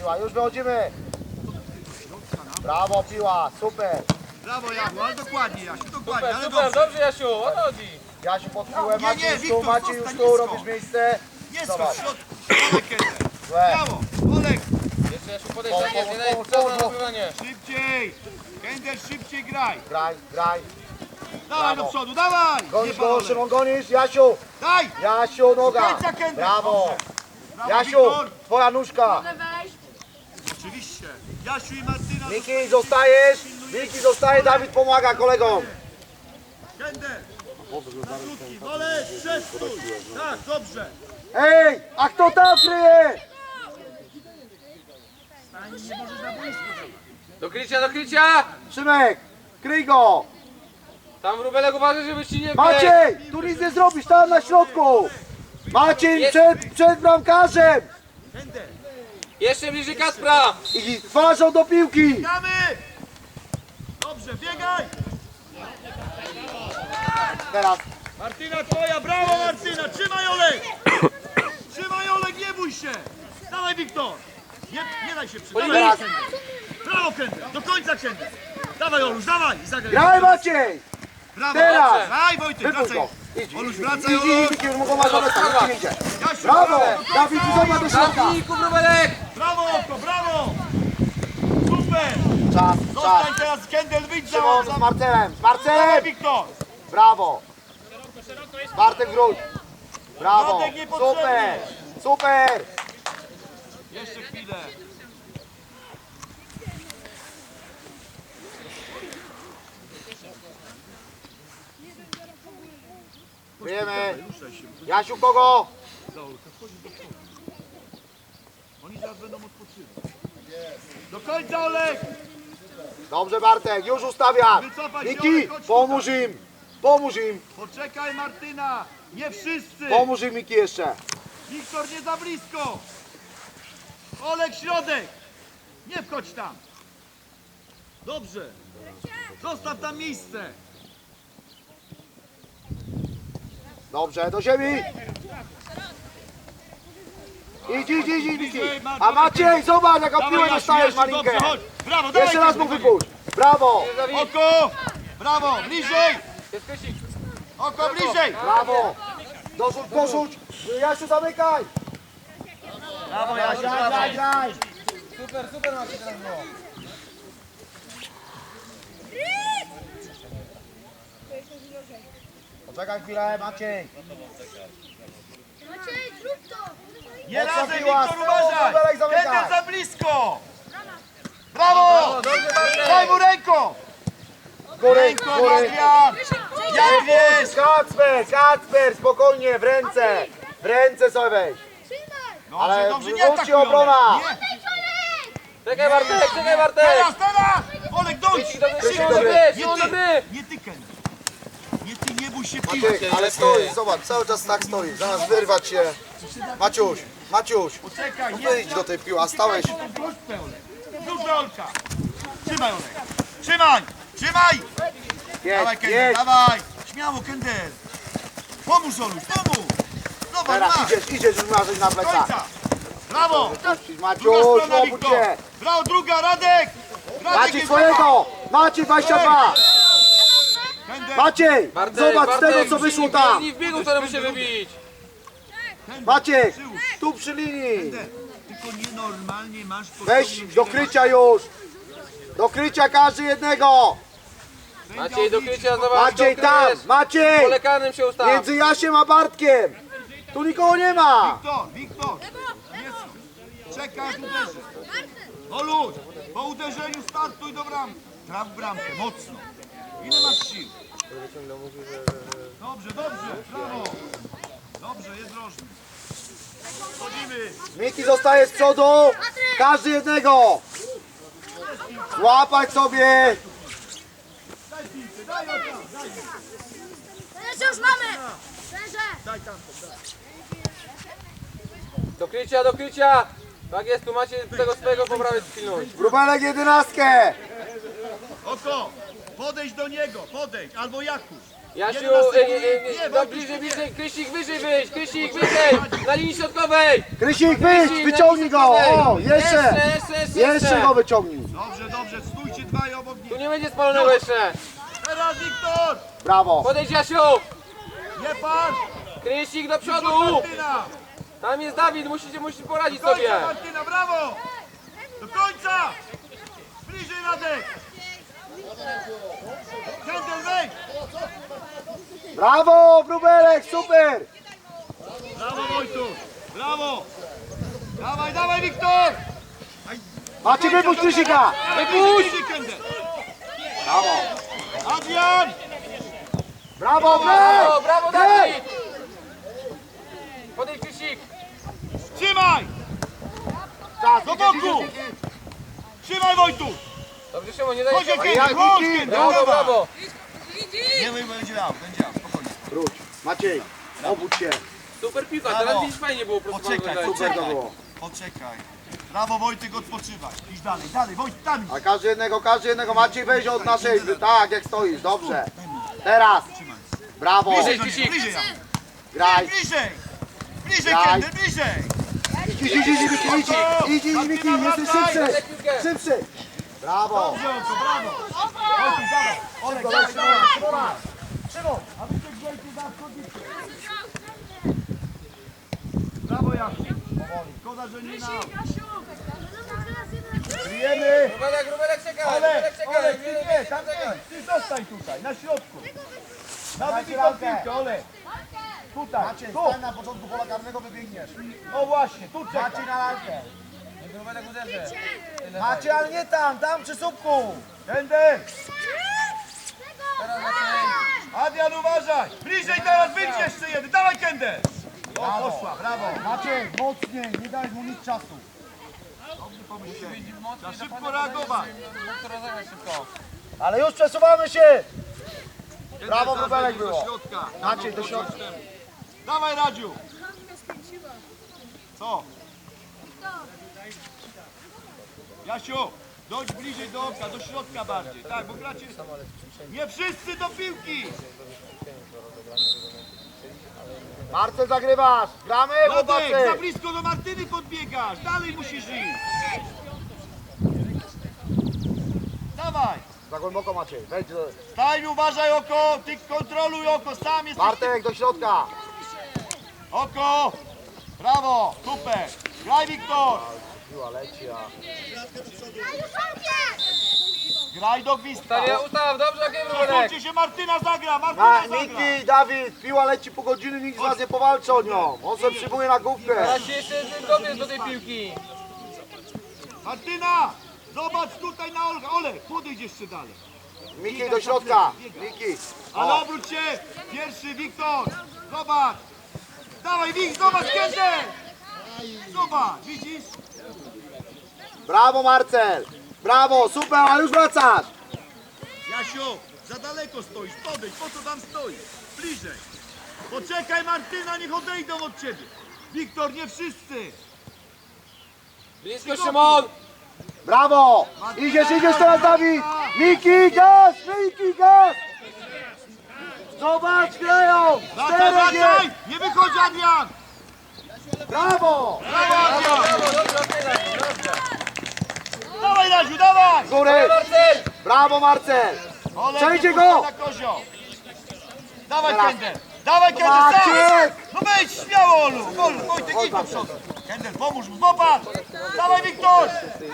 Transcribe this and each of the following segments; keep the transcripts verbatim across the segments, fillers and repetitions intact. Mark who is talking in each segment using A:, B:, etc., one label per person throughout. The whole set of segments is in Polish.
A: piła, już wychodzimy. Brawo piła, super.
B: Brawo Jasiu, ale dokładnie Jasiu, dokładnie,
C: Super,
B: ale
C: super,
B: dobrze.
C: dobrze Jasiu, o to chodzi.
A: Jasiu pod piłę,
B: Nie,
A: Maciej
B: nie,
A: już tu,
B: Wiktor,
A: Maciej już
B: zostań
A: tu,
B: nisko.
A: robisz miejsce.
B: Nie
A: Zobacz.
B: skocz w środku. Olek jeden.
A: Złe.
B: Brawo, Olek.
C: Jeszcze Jasiu podejdź,
A: Pomóż,
C: nie, nie daj
A: pomóż,
C: czas na
A: pomóż.
C: rozgrywanie.
B: Szybciej. Kender, szybciej graj.
A: Graj, graj.
B: Dawaj do
A: Brawo.
B: przodu, dawaj.
A: Gonisz
B: Nie bal,
A: go,
B: Olek.
A: Szymon, gonisz. Jasiu,
B: Daj.
A: Jasiu, noga.
B: Końca, Kender.
A: Brawo.
B: Brawo,
A: Jasiu,
B: Wiktor.
A: twoja nóżka.
B: Oczywiście. Jasiu i Martyna.
A: Miki, zostajesz. Miki, zostaje, Dawid pomaga kolegom.
B: Kender. Na krótki, Olek, przestój. Tak, dobrze.
A: Ej, a kto tam kryje?
B: Nie możesz na boisku.
C: Do krycia, do krycia!
A: Szymek, kryj go.
C: Tam Wróbelek uważaj, żebyś ci nie wbiegł.
A: Maciej, tu nic nie zrobisz, tam na środku. Maciej przed, przed bramkarzem.
B: Kender.
C: Jeszcze bliżej Kacpra!
A: I twarzą do piłki.
B: Biegamy. Dobrze, biegaj.
A: Teraz.
B: Martyna twoja, brawo Martyna, trzymaj Olek! Trzymaj Olek, nie bój się! Dawaj Wiktor! Nie, nie daj się przyjść.
A: Teraz.
B: Brawo Kender, do końca Kender! Dawaj Oluś, dawaj! i zagraj.
A: Graj Maciej.
B: Brawo!
A: teraz.
B: Graj Wojtek,
A: Wypuść
B: wracaj!
A: go. Idź,
B: Oluś,
A: idź,
B: wracaj
A: idź,
B: Oluś!
A: idź, już mogą marzać, tak, nie idzie.
B: Jasiu,
A: Brawo,
B: do końca.
A: Dawid, zobacz do środka.
C: Zamknij, Wróbelek!
B: Brawo Oko, brawo! Super!
A: Czas,
B: Zostań
A: czas.
B: teraz Kendel, wyjdź za
A: Szymon z Marcelem, z
B: Dawaj
A: Marcelem.
B: Wiktor!
A: Brawo. Bartek wróć. Brawo,
B: Bartek niepotrzebny.
A: super, super.
B: Jeszcze chwilę.
A: Wiemy.
B: Ruszaj się.
A: Jasiu, kogo?
B: Oni zaraz będą odpoczywać. Do końca Olek!
A: Dobrze Bartek, już ustawiam.
B: Wycofaj się,
A: Miki,
B: Olek, chodź
A: pomóż
B: tutaj.
A: im. Pomóż im.
B: Poczekaj Martyna! Nie wszyscy!
A: Pomóż im Miki jeszcze.
B: Wiktor nie za blisko! Olek środek! Nie wchodź tam! Dobrze! Zostaw tam miejsce!
A: Dobrze, do ziemi. Idź, idź, idź, idź, Miki. A Maciej, zobacz jaką piłę
B: Jasiu,
A: dostajesz
B: Jasiu,
A: malinkę.
B: dobrze, chodź! Brawo, dawaj!
A: Jeszcze raz mu
B: Kasiu,
A: wypuść. Brawo,
B: Oko! Brawo, bliżej!
C: Jest Kysik.
B: Oko, bliżej!
A: brawo. Dorzuć, dorzuć. Jasiu, zamykaj.
B: Brawo Jasiu,
A: Graj,
B: brawo!
A: graj, graj.
C: Super, super Maciej teraz było.
A: Poczekaj chwilę, Maciej.
D: Maciej, zrób to!
B: Nie
A: Mocna
B: razem,
A: piła,
B: Wiktor,
A: z tyłu,
B: uważaj!
A: Wróbelek, zamykaj.
B: Kender za blisko! Brawo!
C: Dobrze Bartek!
B: Daj mu ręką!
A: Góry,
B: Ręką,
A: góry.
B: Adrian! Jak wiesz!
A: Kacper, Kacper, spokojnie, w ręce. W ręce sobie weź.
D: Trzymaj!
B: Dobrze,
A: Ale
B: dobrze, nie
A: wróci
B: atakuj,
A: obrona.
B: Olek, nie.
C: Czekaj Bartek, czekaj Bartek!
B: Teraz, teraz! Olek, dojdź!
C: Kysik, dobrze,
A: Kysik,
C: Szymon do
A: dobry.
C: gry,
B: Nie
C: Szymon do
B: ty,
C: gry!
B: nie ty, Kender. Nie ty, nie bój się
A: Maciek,
B: piłki.
A: ale stoi, zobacz, cały czas tak stoi, zamiast wyrwać się. Maciuś, Maciuś,
B: Poczekaj,
A: no
B: nie.
A: wyjdź do tej piły, a stałeś.
B: Wróćmy, Olek. Wróć do Olka. Trzymaj, Olek. Trzymaj! Trzymaj! Dawaj,
A: Jedź,
B: Kender,
A: jedź.
B: dawaj! Śmiało, Kender! Pomóż, Oluś, pomóż! Zobacz,
A: Teraz
B: masz!
A: idziesz, idziesz już marzyć na
B: Do
A: plecach.
B: końca! Brawo!
A: Puścić,
B: Druga
A: Maciuś,
B: strona,
A: obudź
B: Wiktor!
A: się.
B: Brawo, druga, Radek! Radek
A: Maciej
B: jest
A: swojego, Maciej dwadzieścia dwa.
B: Kender,
A: Maciej,
C: Bartek,
A: zobacz z
C: Bartek,
A: tego co wyszło tam.
C: Nie w biegu, to musi wybić.
A: Maciek, tu przy linii.
B: Kender, tylko nienormalnie masz
A: Weź
B: podciągnąć
A: do
B: temat.
A: krycia już. Do krycia każdy jednego.
C: Maciej do krycia, zobacz,
A: Maciej
C: to
A: tam,
C: kryjesz.
A: Maciej.
C: Pole karnym się ustaw.
A: Między Jasiem a Bartkiem. Tu nikogo nie ma.
B: Wiktor, Wiktor! Jest. Czekaj, aż uderzy. Oluś, po uderzeniu startuj do bramki. Traf bramkę, mocno. Ile masz sił? Dobrze, dobrze, brawo. Dobrze, jest drożny. Chodzimy.
A: Miki zostaje z przodu. Każdy jednego. Złapać sobie.
B: Daj piłkę, daj ją tam, daj ją.
D: Trenerze, już mamy! Trenerze!
B: Daj tam.
C: Do krycia, do krycia! Tak jest, tu macie tego swojego po prawej pilność.
A: Wróbelek jedenastkę.
B: Oko, podejdź do niego, podejdź, albo Jakub.
C: Jasiu,
B: jedenaście
C: ej, ej, ej,
B: Nie,
C: no
B: Wojtuś,
C: bliżej,
B: nie.
C: bliżej, Krysik wyżej wyjść, Krysik wyżej, na linii środkowej.
A: Krysik, wyjdź,
C: Krysik,
A: wyciągnij
C: na
A: go!
C: linii środkowej.
A: O, jeszcze!
C: Jeszcze, jeszcze,
A: Jeszcze go wyciągnij!
B: Dobrze, dobrze, stójcie dwaj obok
C: Tu
B: nich.
C: nie będzie spalonego jeszcze.
B: Teraz Wiktor!
A: Brawo!
C: Podejdź Jasiu.
B: Nie patrz!
C: Krysik do
B: Przód
C: przodu.
B: Martyna!
C: Tam jest Dawid, musicie, musicie poradzić
B: Do
C: sobie.
B: końca Martyna, brawo! Do końca! Bliżej Radek! Kendel, wejdź!
A: Brawo, Wróbelek, super!
B: Brawo Wojtuś! Brawo! Dawaj, dawaj Wiktor!
A: Macie wypuść Krysika!
B: Wypuść! Kendel!
A: Brawo!
B: Adrian!
A: Brawo,
C: Brawo,
A: Brek!
C: brawo Dawid. Podejdź Krysik.
B: Trzymaj!
A: Czas,
B: Do
A: idzie,
B: boku!
A: idzie, idzie.
B: Trzymaj Wojtuś!
C: Dobrze Szymon, nie daj
B: Chodź
C: się.
B: Kendel,
A: jak
B: chodź
A: Wiki?
B: Kendel!
C: Brawo,
B: dawaj.
C: brawo.
B: Nie, będzie miał, będzie miał, spokojnie.
A: Wróć. Maciej, obudź się.
C: Super piłka,
B: Brawo.
C: teraz widzisz fajnie było po prostu.
B: Poczekaj,
C: wyglądać.
A: Super to
B: poczekaj.
A: było.
B: Poczekaj. Brawo Wojtek, odpoczywaj. Idź dalej, dalej, Wojtek, tam idź.
A: A każdy jednego, każdy jednego. Maciej, weź od naszej, tak jak stoisz, dobrze. Teraz. Brawo.
B: Bliżej,
C: Krzysiek.
B: bliżej, ja.
A: Graj.
B: Bliżej! Bliżej,
A: Graj.
B: Kendel, bliżej!
A: Idź, idź, idź, idź, idź, idź, idź, Miki, jesteś szybszy. Szybszy. Brawo.
B: Dobrze, Oko, brawo! Wojtek, dawaj! Olek,
A: Szybko,
B: dawaj,
A: Szymon,
B: dawaj!
A: Szymona.
B: Szymon, a wy tak Wojtek za wchodnicy. Brawo, Jasiu. Szkoda, że nie na... Kryjemy!
C: Rubelek, Rubelek czeka,
B: Olek,
C: Rubelek czeka.
B: Olek, ty nie, tam nie! Ty zostań tutaj, na środku! Na
A: Dawajcie
B: wybitą
A: ramkę.
B: piłkę, Olek! Tutaj,
A: Maciej,
B: tu!
A: stań na początku pola karnego, wybiegniesz.
B: No właśnie, tu czekaj!
A: Maciej na lalkę.
C: Niech Rubelek uderzy.
A: Maciej, ale nie tam, tam przy słupku.
B: Kendel!
C: Teraz Maciej.
B: Adrian, uważaj! Bliżej teraz, wyjdź jeszcze jeden! Dawaj, Kendel! O, poszła, brawo!
A: Maciej, mocniej, nie daj mu nic czasu.
B: Trzeba szybko reagować!
C: Mógł rozegrać szybko.
A: Ale już przesuwamy się. Brawo,
B: Kendel,
A: Wróbelek
B: do
A: było.
B: środka.
A: Maciej, do środka.
B: Dawaj, Radziu! Co? Jasiu, dojdź bliżej do oka, do środka bardziej. Tak, bo gracie... Nie wszyscy do piłki!
A: Marcel, zagrywasz. Gramy,
B: Radek, za
A: chłopacy.
B: blisko do Martyny podbiegasz! Dalej musisz iść! Dawaj!
A: Za głęboko, Maciej. Wejdź. do-
B: Stań, uważaj oko! Ty kontroluj oko, sam jesteś...
A: Bartek, do środka.
B: Oko! Brawo! Super! Graj, Wiktor!
A: Piła leci, a...
B: Graj do gwizdka!
C: Ustaw, ustaw, dobrze, okej Rubelek.
B: Posłuchajcie się, Martyna zagra!
A: Na,
B: Martyna zagra!
A: Niki, Dawid, piła leci pół godziny, nikt z was nie powalczy o nią. On sobie przyjmuje na główkę.
C: Teraz się jeszcze dobiec do tej piłki.
B: Martyna! Zobacz tutaj na Olga! Olek, podejdź jeszcze dalej!
A: Miki, do środka. Miki.
B: Ale
A: O,
B: obróć się! Pierwszy, Wiktor! Zobacz! Dawaj, Wik, zobacz, Kendel! Zobacz, widzisz?
A: brawo, Marcel. Brawo, super, a już wracasz.
B: Jasiu, za daleko stoisz, podejdź, po co tam stoisz? Bliżej! Poczekaj, Martyna, niech odejdą od ciebie! Wiktor, nie wszyscy!
C: Blisko Szymon.
A: Brawo. Idziesz, idziesz teraz, Dawid. Miki, gaz, Miki, gaz. Zobacz, grają.
B: Wracaj,
A: Czterech
B: wracaj!
A: jest.
B: Nie wychodź, Adrian!
A: Brawo.
B: Brawo, Adrian!
C: Brawo, dobrze, okej, dobrze.
B: Dawaj, Radziu, dawaj!
A: Z góry.
C: Marcel.
A: Brawo, Marcel.
B: Olek,
A: Przejdzie
B: nie
A: go.
B: puszczaj na kozioł. Dawaj,
A: Teraz.
B: Kendel! Dawaj, Kendel,
A: Maciek.
B: sam! No wejdź, śmiało, Olu! Olu, Wojtek, idź do przodu! Kendel, pomóż mu, zobacz! Dawaj, Wiktor!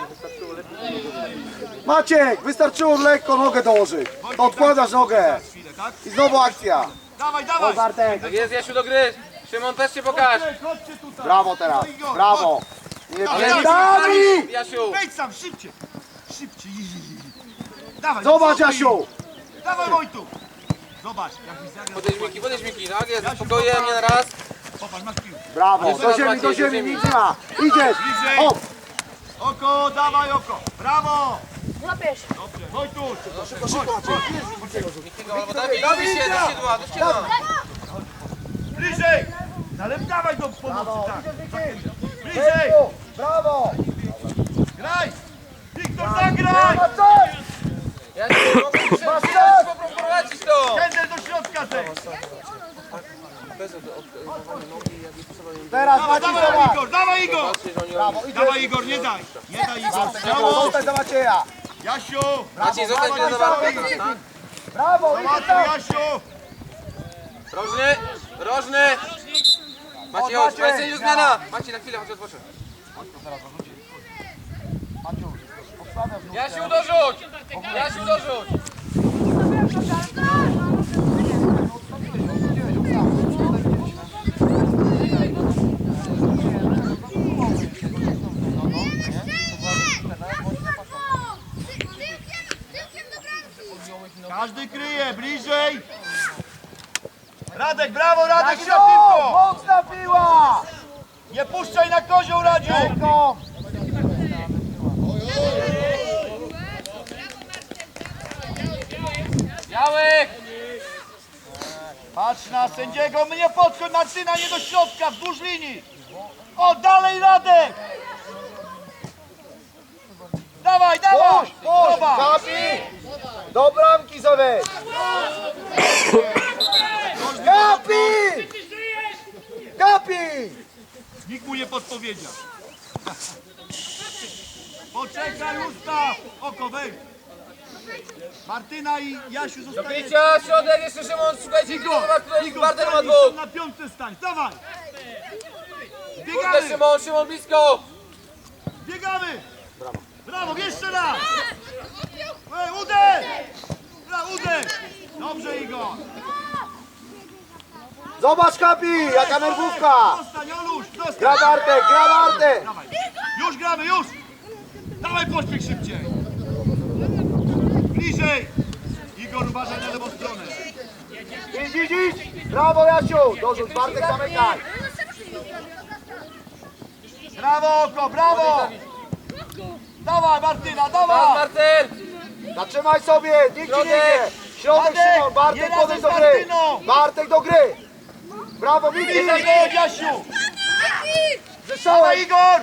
A: Maciek, wystarczyło lekko nogę dołożyć. To odkładasz nogę.
B: Chwilę, tak?
A: I znowu akcja.
B: Dawaj,
A: O,
B: dawaj!
A: Bartek.
C: Tak jest, Jasiu do gry. Szymon też się pokaż.
B: Chodźcie, chodźcie tutaj!
A: Brawo teraz.
B: No i go.
A: Brawo. Nie
B: Dawaj,
A: nie-
B: dawaj,
A: Dawid.
C: Jasiu.
B: Wejdź sam, szybciej! Szybciej! Dawaj!
A: Zobacz,
B: do przodu
A: Jasiu.
B: idź. Dawaj, Wojtu! Zobacz, jak mi zagra...
C: Podejdź Miki, podejdź Miki, tak jest, spokojnie, nie na raz.
B: Popatrz, masz piłkę.
A: Brawo.
C: Ale
A: Do
C: teraz
A: ziemi,
C: Maciej,
A: do
C: do
A: ziemi,
C: ziemi.
A: nic nie ma. Idziesz.
B: Bliżej.
A: O,
B: Oko, dawaj oko! Brawo!
D: Łapiesz.
B: Dobrze, Wojtu!
A: szybko, szybko, Maciej.
C: Albo Dawid, Dawid się, do siedła, do siedła.
B: Bliżej! Ale dawaj do pomocy,
A: Brawo.
B: tak!
A: Idziesz, Miki.
B: Bliżej!
A: Brawo. Brawo.
B: Graj! Wiktor, zagraj!
A: Marcel.
C: Jasiu, mogę
A: Masz
C: się
A: czas.
C: poprowadzić to.
B: Kendel do środka, ty!
A: teraz
B: Dawaj,
A: Maciej,
B: dawaj
A: zobacz.
B: Igor, dawaj Igor!
C: Patrzcie, że oni
A: Brawo, idzie.
B: Dawaj Igor, nie daj! Nie daj Igor,
A: Brawo,
B: brawo!
A: zostań za Macieja.
B: Jasiu!
C: Maciej, zostań
B: brawo,
C: na zawartę.
B: Maciej.
C: Tak?
A: Brawo, idzie
B: Załatwił
A: tam.
B: Jasiu!
C: Rożny, rożny! Maciej, chodź,
A: Maciej.
C: Maciej, zmiana! Maciej, na chwilę, chodź, odpocznę. Jasiu, dorzuć! Jasiu, dorzuć!
B: Każdy kryje, bliżej! Radek, brawo, Radek,
A: Tak,
B: szybko!
A: no, mocna piła.
B: Nie puszczaj na kozioł, Radziu!
A: Ręką.
C: Białek!
B: Patrz na sędziego, mnie podchodź, Martyna, nie do środka, wzdłuż linii! O, dalej Radek! Dawaj, dawaj!
A: Puść, puść.
B: Zobacz!
A: Kapi. Do bramki sobie. Kapi. Kapi.
B: Nikt mu nie podpowiedział. Poczekaj, ustaw! Oko, wejdź! Martyna i Jasiu
C: Do
B: zostaje.
C: picia, środek, jeszcze Szymon, szukajcie,
B: Igor,
C: zobacz, tutaj
B: Igor,
C: Bartek ma
B: stań,
C: dwóch!
B: na piątce stań, dawaj!
C: Kurde,
B: Biegamy,
C: Szymon, Szymon, blisko!
B: biegamy! Brawo! Brawo, jeszcze raz! Ej, uderz! Brawo, uderz! Dobrze, Igor!
A: Zobacz Kapi, jaka nerwówka.
B: Zostań, Oluś, zostań!
A: Gra Bartek, gra Bartek.
B: Dawaj. Już gramy, już! Dawaj, pośpiech szybciej! Bliżej! Igor, uważaj na lewą stronę!
A: Idź, idź, idź. Brawo Jasiu. Dorzuć Bartek, zamykaj.
B: Brawo, oko, brawo! Dawaj, Martyna,
C: Teraz
B: dawaj!
C: Marcel!
A: Zatrzymaj sobie, nikt ci nie
C: Środek.
A: idzie. Środek
B: Bartek,
A: Szymon,
B: nie
A: Bartek
B: razem
A: podejdź
B: z
A: do gry.
B: Martyną.
A: Bartek do gry. Brawo, Miki.
B: Bliżej, go, Jasiu! Dawaj,
A: Zeszłeś.
B: Igor!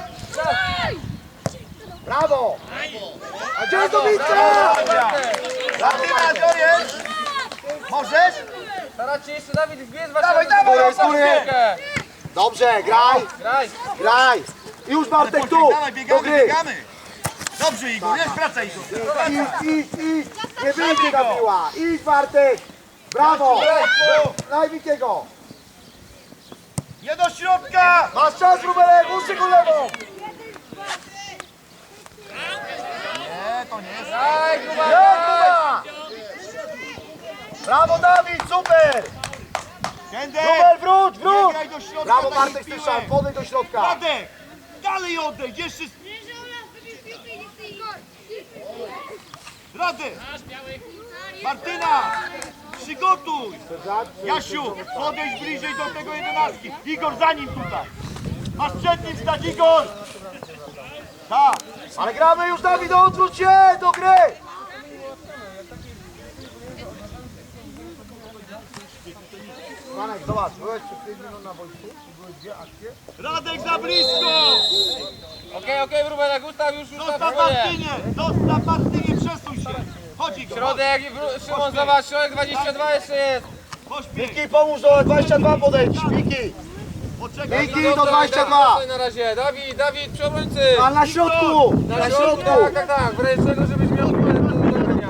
A: Brawo. A gdzie jest Dominika?
B: Martyna, co jest? Możesz?
C: Starać się jeszcze Dawid wbiec
B: Dawaj,
C: właśnie
B: dawaj,
A: z góry. Dobrze, graj,
C: Graj!
A: graj. I już Bartek
B: Pośpiech,
A: tu,
B: dawaj,
A: do
B: biegamy,
A: gry.
B: biegamy! Dobrze, Igor, jest praca, Igor!
A: Idź, idź, idź. Nie wyjdzie ta piła. Idź Bartek. Brawo. Daj Mikiego.
B: Nie do środka!
A: Masz czas, Rubelek, uszykuj lewą.
B: Nie, to nie jest.
C: Graj,
A: Nie,
C: Kuba!
A: Kuba. Brawo Dawid, super.
B: Kender!
A: Rubel, wróć,
B: Nie
A: wróć.
B: graj do środka
A: Brawo
B: takich
A: Bartek,
B: piłek.
A: słyszałem, podejdź do środka.
B: Radek! Dalej odejdź, jeszcze... Radek! Martyna! Przygotuj! Jasiu, podejdź bliżej do tego jedenastki. Igor, za nim tutaj. Masz przed nim stać, Igor! Tak.
A: Ale gramy już, Dawid, odwróć się do gry. Panek, zobacz, byłeś przed pięć minut na boisku i były dwie akcje.
B: Radek za blisko!
C: Okej, okej, Rubelek, ustaw już, ustaw,
B: Zostaw
C: spokojnie.
B: Martynie! Zostaw Martynie, przesuń się! Chodź, Igor,
C: Środek, wró- Szymon, zobacz, środek dwadzieścia dwa jeszcze jest!
B: pośpiech!
A: Miki, pomóż do dwadzieścia dwa podejdź, Miki.
B: Poczekaj,
A: Miki,
C: Dobra,
A: do dwadzieścia dwa.
C: Dawid, na razie, Dawid, Dawid, przy obrońcy!
A: A na środku, na środku.
C: Tak, tak, tak, wręcz tego, żebyś miał numer do zagrania.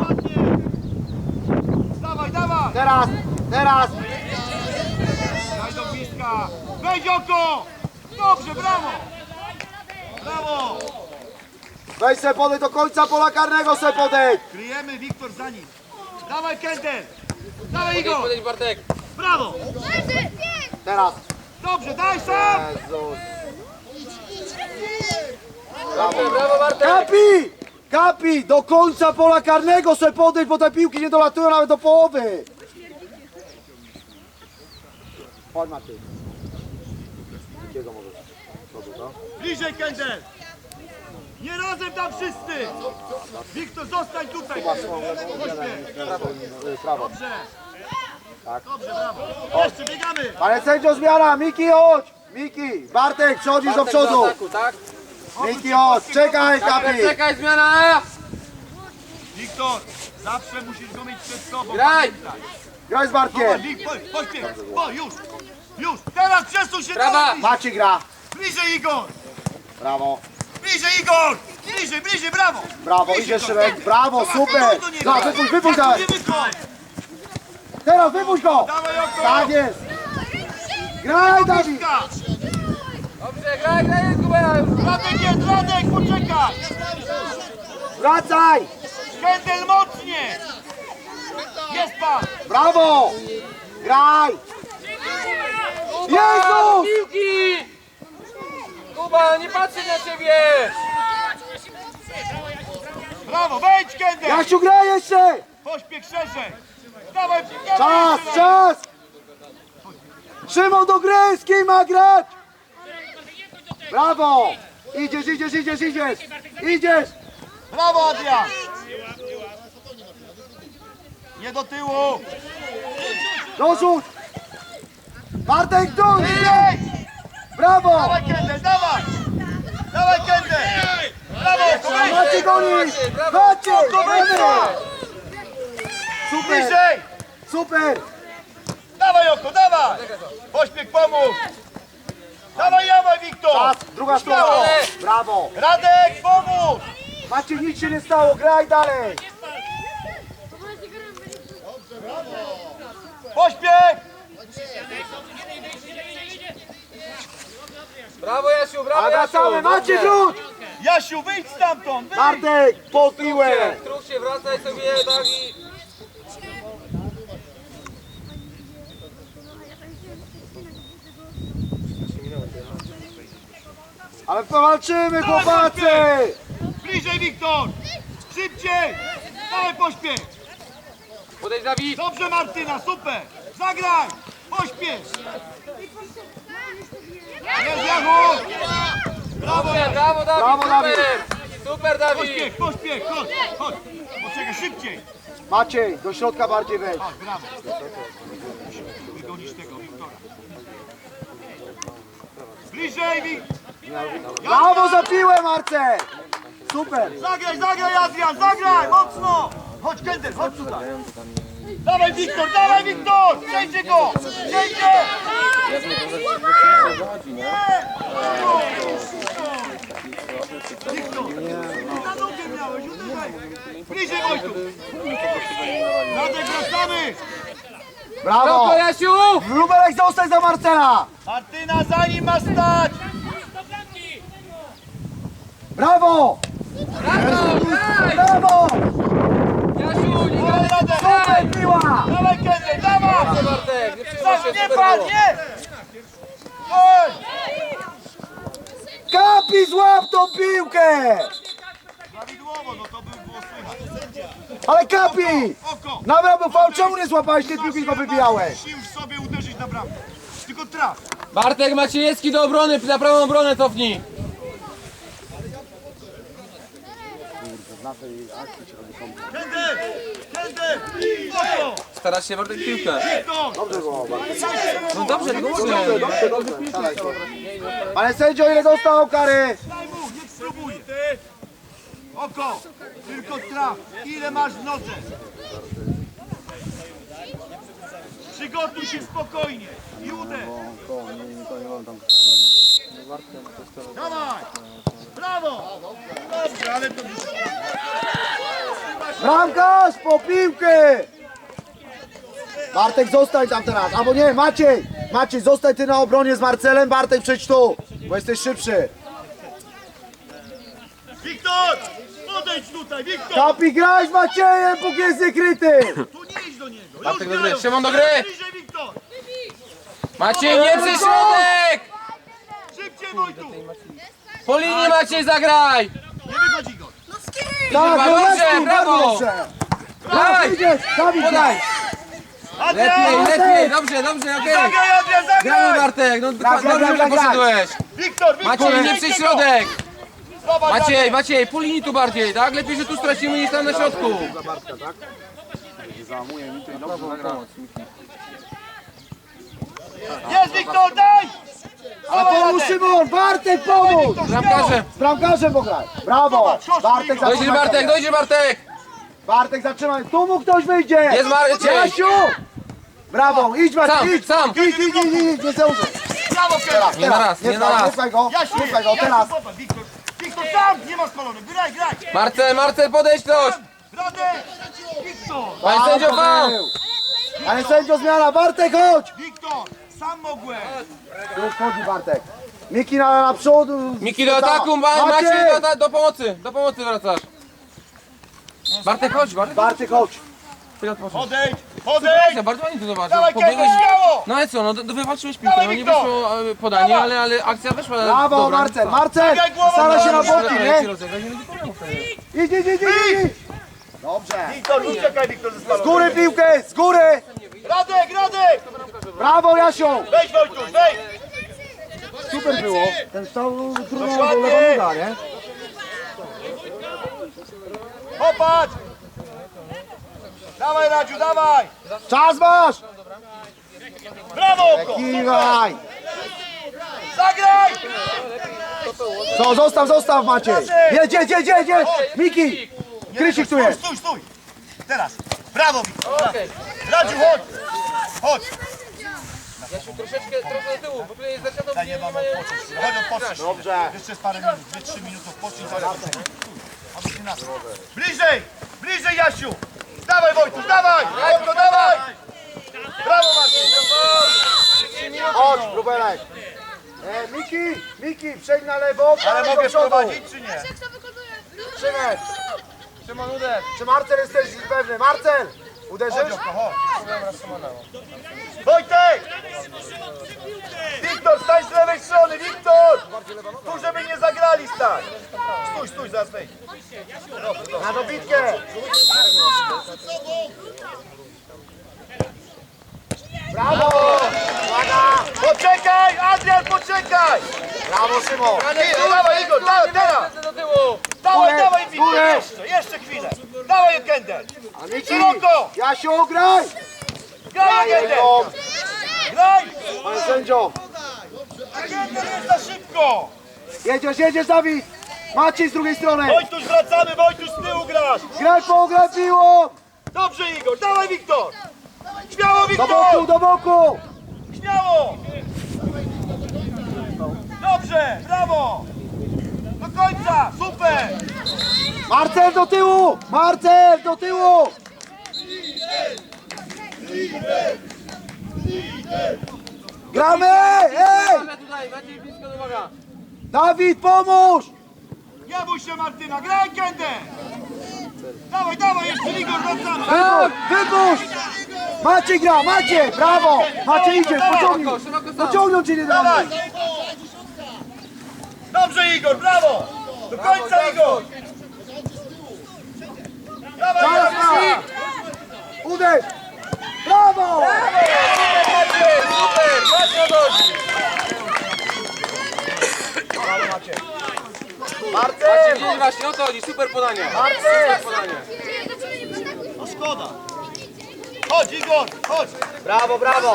B: dawaj, dawaj!
A: Teraz, teraz.
B: Daj do bliska! Wejdź oko! Dobrze, brawo! Brawo!
A: Weź se podejdź do końca pola karnego, se podejdź.
B: Kryjemy, Wiktor za nim. Dawaj, Kender! Dawaj,
C: Podejdź,
B: Igor!
C: podejdź, Bartek!
B: Brawo!
A: Teraz.
B: Dobrze, daj sam!
A: Jezus.
C: Dobrze, brawo, Bartek!
A: Kapi! Kapi! Do końca pola karnego se podejdź, bo te piłki nie dolatują nawet do połowy. Chodź Maciej. Jakiego możesz? Przodu, to?
B: Bliżej, Kender! Nie razem tam wszyscy! Wiktor, zostań tutaj! Pośpiech!
A: Prawo.
B: Dobrze!
A: Tak.
B: Dobrze, brawo! Jeszcze biegamy!
A: Ale sędzio zmiana, Miki chodź! Miki, Bartek, przechodzisz do
C: Bartek
A: przodu.
C: ataku, tak?
A: Miki chodź, czekaj Kapi!
C: Czekaj, czekaj, zmiana!
B: Wiktor, zawsze musisz go mieć przed sobą.
C: Graj!
B: pamiętaj.
A: Graj z
B: Zobacz,
A: Bartkiem.
B: Wik, po- pośpiech! O, już! Już, teraz przesuń się
C: Brawa.
B: do...
A: Maciej gra.
B: Bliżej Igor!
A: Brawo.
B: Bliżej Igor! Bliżej, bliżej, brawo!
A: Brawo,
B: Bliżej
A: idzie
B: do-
A: Szymek. Brawo,
B: Zobacz,
A: super.
B: stój do niego.
A: No, wypuść, wypuść
B: Jak
A: dalej.
B: nie wychodź.
A: Teraz wypuść go.
B: Dawaj oko!
A: Tak jest. Graj, Dawid.
B: Piłka.
C: Dobrze, graj, graj, Kubera już.
B: Radek jest, Radek, poczekaj!
A: Wracaj.
B: Kendel mocnie! Jest pan!
A: Brawo. Graj.
C: Kuba,
A: Jezus!
C: piłki! Kuba, nie patrzę na ciebie!
B: Brawo, wejdź Kendel!
A: Jasiu, graj jeszcze.
B: Pośpiech szerzej! Dawaj, dawaj
A: Czas,
B: jeszcze
A: czas. Szymon do gry, z kim ma grać? Brawo. Idziesz, idziesz, idziesz, idziesz. Idziesz.
B: Brawo, Adrian! Nie do tyłu!
A: Dorzuć. Bartek, tu.
B: Bliżej!
A: Brawo.
B: Dawaj Kendel, dawaj! Dawaj Kendel! Brawo, wejdź!
A: Maciej gonisz. Maciej, brawo. Super,
B: Bliżej!
A: super.
B: Dawaj oko, dawaj! Pośpiech pomóż! Dawaj, dawaj Wiktor!
A: Czas, druga strona.
B: Brawo!
A: Brawo.
B: Radek, pomóż!
A: Maciej, nic się nie stało, graj dalej.
B: Pośpiech!
C: Brawo, Jasiu, brawo,
A: A wracamy,
C: Jasiu!
A: Maciej,
C: Dobrze.
A: wróć.
B: Jasiu, wyjdź stamtąd! Wyjdź!
A: Bartek, pod piłę.
C: Truch się, wracaj sobie, tak i...
A: Ale powalczymy, chłopacy.
B: Bliżej Wiktor! Szybciej! Dawaj pośpiech!
C: Podejdź, Dawid!
B: Dobrze Martyna, super! Zagraj! Pośpiech! Jest Jachu! Brawo!
C: Dobrze, brawo, Dawid!
A: Brawo, Dawid.
C: Super! Super, Dawid!
B: Pośpiech, pośpiech! Chodź, chodź! Poczekaj, szybciej!
A: Maciej, do środka bardziej wejdź.
B: Chodź, brawo! Wygonisz tego Wiktora. Bliżej Wiktor!
A: Brawo za piłę, Marcel. Super.
B: Zagraj, zagraj Adrian, zagraj! Mocno! Chodź Kendel, chodź tutaj! Dawaj Wiktor, dawaj Wiktor! Przejdzie go! Przejdzie! Wiktor! Na nogę miałeś, uderzaj! Bliżej Wojtu! Radek, wracamy!
A: Brawo.
C: Brawo, Jasiu!
A: Lubelek, zostań za Marcela.
B: Martyna, za nim ma stać!
A: Brawo.
C: Brawo, graj!
A: Brawo.
C: Jasiu, nie
B: Dawaj,
C: graj!
B: Radek!
A: Super piła.
B: Dawaj Kendel, dawaj!
C: Dobrze, Bartek, nie przyjmuj
B: Tak,
C: się,
B: nie
C: super
B: patrz,
C: było.
B: nie! Oj!
A: Kapi, złap tą piłkę.
B: Prawidłowo, no to by było słychać.
A: Ale Kapi.
B: Oko!
A: Nawet był faul, czemu nie złapałeś tej piłki, tylko wybijałeś?
B: Musi już sobie uderzyć na bramkę. Tylko traf.
C: Bartek Maciejewski do obrony, na prawą obronę cofnij.
B: Kendel! Kendel! Oko!
C: Starasz się, Bartek, piłkę.
B: Wiktor!
A: Dobrze było, Bartek.
C: No dobrze, tylko mogę.
A: Dobrze, dobrze. Ale sędzio, ile dostał kary?
B: Daj mu, niech spróbuje. Oko! Tylko traf. Ile masz w nodze? Przygotuj się spokojnie i uderz. Dawaj! Brawo! Dobrze, ale to...
A: Bramkarz, po piłkę. Bartek, zostań tam teraz. Albo nie, Maciej. Maciej, zostań ty na obronie z Marcelem. Bartek, przejdź tu, bo jesteś szybszy.
B: Wiktor! Podejdź tutaj, Wiktor!
A: Kapi, graj z Maciejem, póki jest niekryty.
B: Tu nie idź do niego. Już
C: Bartek do gry,
B: grają.
C: Szymon do gry.
B: Bliżej, Wiktor!
C: Maciej, nie przy środek!
B: Szybciej, Wojtu!
C: Po linii Maciej, zagraj!
B: Nie wychodzi go.
A: Tak,
C: Dobrze,
A: no lepiej,
C: brawo.
A: bardzo dobrze.
C: Daj!
A: Idziesz, Dawid,
C: Podaj! Lepiej,
B: Adrian!
C: lepiej, dobrze, dobrze, okej.
B: Zagraj, Adrian,
C: Gramy,
B: zagraj!
C: Bartek, no
A: Gra, gra,
C: dobrze,
A: gra,
C: że
A: gra, gra.
C: poszedłeś.
B: Wiktor, Wiktor!
C: Maciej, nie
B: wejdźcie
C: przy
B: go.
C: środek!
B: Zobacz,
C: Maciej,
B: Adrian.
C: Maciej, po linii tu bardziej, tak? Lepiej, że tu stracimy niż tam na środku.
B: Jest, Wiktor, daj!
A: Ale pomóż Szymon, Bartek, pomóż.
C: Bramkarze.
A: Z bramkarzem pograj. Brawo.
B: Zobacz, chodź,
A: Bartek,
B: Igor.
C: Dojdziesz,
A: zatrzymaj
C: Bartek,
A: sobie.
C: dojdziesz, Bartek!
A: Bartek, zatrzymaj. Tu mu ktoś wyjdzie.
C: Jest Marciej.
A: Jasiu. Brawo, idź Maciej,
C: Sam,
A: idź!
C: sam.
A: Idź, idź, idź, idź, idź, nie zdążysz.
B: Brawo,
A: Teraz,
C: Nie na
A: teraz,
C: raz, nie na
A: pchaj,
C: raz.
A: Nie pchaj go,
B: Jasiu,
A: nie pchaj go,
B: Jasiu,
A: teraz.
B: popatrz, Wiktor, Wiktor, tam, nie ma spalony, graj, graj.
C: Marcel, Marcel, podejdź ktoś!
B: Radek, Wiktor,
C: Panie sędzio,
A: Brawo,
C: faul!
A: był. Ale sędzio zmiana, Bartek chodź!
B: Wiktor, sam mogłem.
A: Już chodzi Bartek. Miki na, na przód.
C: Miki do ataku, Ma- Maciej do, do pomocy, do pomocy wracasz. Bartek, chodź, Bartek.
A: Bartek chodź.
C: Chwilę odpocznij.
B: Podejdź, podejdź.
C: Ja bardzo ładnie to zobaczył.
B: Dawaj, Kevin,
C: Pobiegłeś...
B: śmiało.
C: No ale co, no do- do- wywalczyłeś piłkę,
B: Dawaj,
C: no nie
B: Wiktor.
C: wyszło e, podanie,
B: Dawaj.
C: ale, ale akcja wyszła
A: Brawo
C: dobra.
A: Marcel, Marcel!
B: Dawaj, głową
A: Stara się na
B: do-
A: boki,
C: Jak ci
A: nie?
C: rozegrać, nie będzie problemu wtedy.
A: Idź, idź, idź, idź, idź! Dobrze.
B: Wiktor, uciekaj, Wiktor, ze
A: Z
B: spalonym.
A: góry piłkę, z góry!
B: Radek, Radek.
A: Brawo Jasiu!
B: Weź, Wojtuś, weź.
A: Super było. Ten stał trudno do
B: Dokładnie.
A: lewą noga, nie?
B: Popatrz. Dawaj, Radziu, dawaj.
A: Czas masz!
B: Brawo, oko.
A: Kiwaj!
B: Zagraj.
A: Co, zostaw, zostaw Maciej! Jedź, jedź, jedź, jedź, jedź! Miki! Krysik tu jest!
B: Stój, stój. Teraz. Brawo, Wiktor.
C: Okej.
B: Radziu, chodź. Chodź.
C: Jasiu, troszeczkę, trochę do tyłu, bo tutaj jest zaczęto
B: Daj, nie mam odpocząć. Chodź, odpocznij.
A: Dobrze.
B: Jeszcze jest parę minut, dwie trzy minuty odpocznij. Aby się nas. Bliżej, bliżej, Jasiu. Dawaj, Wojtuś, dawaj. Wojtko, dawaj. Brawo, Marcin.
A: Chodź, Rubelek! E, Miki, Miki, przejdź na lewo,
B: Ale
A: do
B: mogę
A: przodu.
B: prowadzić, czy nie?
D: Kto wykonuje?
A: Szymek,
C: Szymon, uderz.
A: czy Marcel jesteś pewny? Marcel! Uderzysz?
B: Chodź, oko, chodź. Wojtek! Wiktor, stań z lewej strony, Wiktor! Tu, żeby nie zagrali, stań! Stój, stój, zaraz wejdź.
A: Na dobitkę! Brawo! Uwaga!
B: Poczekaj, Adrian, poczekaj!
A: Brawo Szymon!
B: Ty, dawaj, Igor, dawaj, teraz!
C: Do tyłu.
B: Dawaj,
A: Górę,
B: dawaj, Wiktor,
A: górę.
B: jeszcze, jeszcze chwilę! Dawaj, Kender!
A: A Miki!
B: Szeroko!
A: Jasiu, graj!
B: Graj, Kender!
A: Jego!
B: Graj!
A: Panie sędzio!
B: Kender jest za szybko!
A: Jedziesz, jedziesz Dawid! Maciej z drugiej strony!
B: Wojtuś, wracamy, Wojtuś, z tyłu grasz!
A: Graj po, graj piłą!
B: Dobrze, Igor, dawaj, Wiktor! Śmiało,
A: Do
B: Wiktor!
A: boku, do boku!
B: Śmiało! Dobrze, brawo! Do końca, super!
A: Marcel do tyłu! Marcel do tyłu! Gramy! Ej!
C: Uważaj tutaj, Maciej blisko do uwaga.
A: Dawid, pomóż!
B: Nie bój się, Martyna, graj, Kędę! Dawaj, dawaj, jeszcze Igor, wracamy!
A: Wypuść! Wypuść! Maciej gra, Maciej! Brawo! Maciej idzie, pociągnij!
C: Szeroko sam.
A: Pociągną cię nie
B: Dawaj!
A: damy!
B: Dobrze, Igor, brawo! Do końca, Igor! Dawaj,
A: Czas
B: Igor!
A: ma! Uderz! Brawo!
C: Maciej, super, właśnie odchodzi. Maciej,
A: Marcel!
C: gdzieś właśnie o to chodzi, super podanie.
A: Marcel!
C: Super podanie.
B: No szkoda! Chodź, Igor, chodź!
A: Brawo, brawo!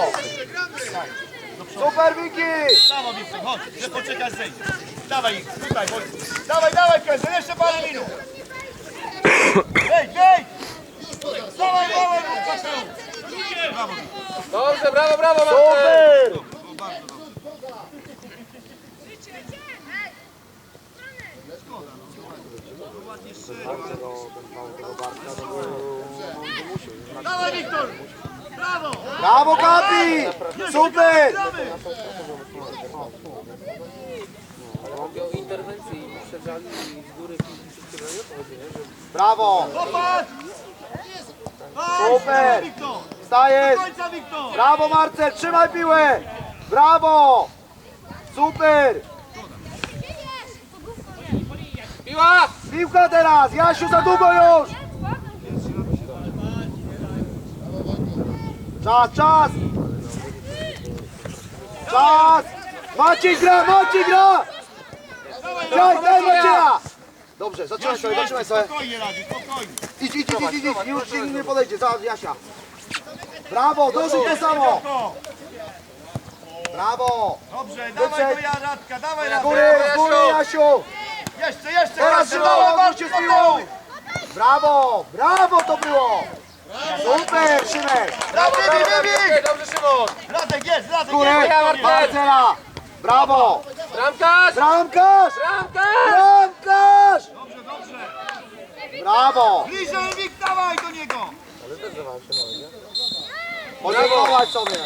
A: Super Miki!
B: Brawo, Wiktor, chodź, że poczekasz zejść. Dawaj ich, tutaj, chodź. Dawaj, dawaj, Kędę, jeszcze parę minut. Wejdź, wejdź! Dawaj, dawaj, Wiktor. Brawo, Wiktor.
C: Dobrze, brawo, brawo, Marcel.
A: Super!
B: Dawaj, Wiktor! Brawo!
A: Brawo Kapi! Super!
B: Gramy!
C: O interwencji i uprzedzali z góry wszystkiego, nie o to chodzi, nie? Że
A: Brawo!
B: Popatrz!
A: Super!
B: Wiktor! Do
A: Wstajesz!
B: końca, Wiktor!
A: Brawo Marcel, trzymaj piłę! Brawo! Super!
C: piła!
A: Piłka teraz! Jasiu, za długo już! Czas, czas! Czas! Maciej gra, Maciej gra! Graj, graj Macieja! Dobrze, zatrzymaj sobie, zatrzymaj sobie.
B: Spokojnie, Radziu, spokojnie.
A: Idź, idź, idź, idź, idź. Już nikt nie podejdzie, za Jasia. Brawo, dosyć to samo! Brawo!
B: Dobrze,
A: Wyprzedź.
B: dawaj do Radka, dawaj
A: Z
B: Radek.
A: góry, z góry Jasiu!
B: Jeszcze, jeszcze,
A: Teraz
B: Radek,
A: Szymon,
B: dawaj,
A: odwróć się z piłą! Brawo, brawo to było! Super, Szymek!
C: Brawo,
B: Wybij,
C: brawo,
B: wybij!
C: dobrze Szymon!
B: Radek jest, Radek
A: Górę!
B: jest!
C: Ja, Marcel!
A: Marcela! Brawo!
C: Bramkarz!
A: Bramkarz!
C: Bramkarz!
A: Bramkarz!
B: Dobrze, dobrze.
A: Brawo!
B: Bliżej, Wik, dawaj do niego!
A: Podziękować sobie!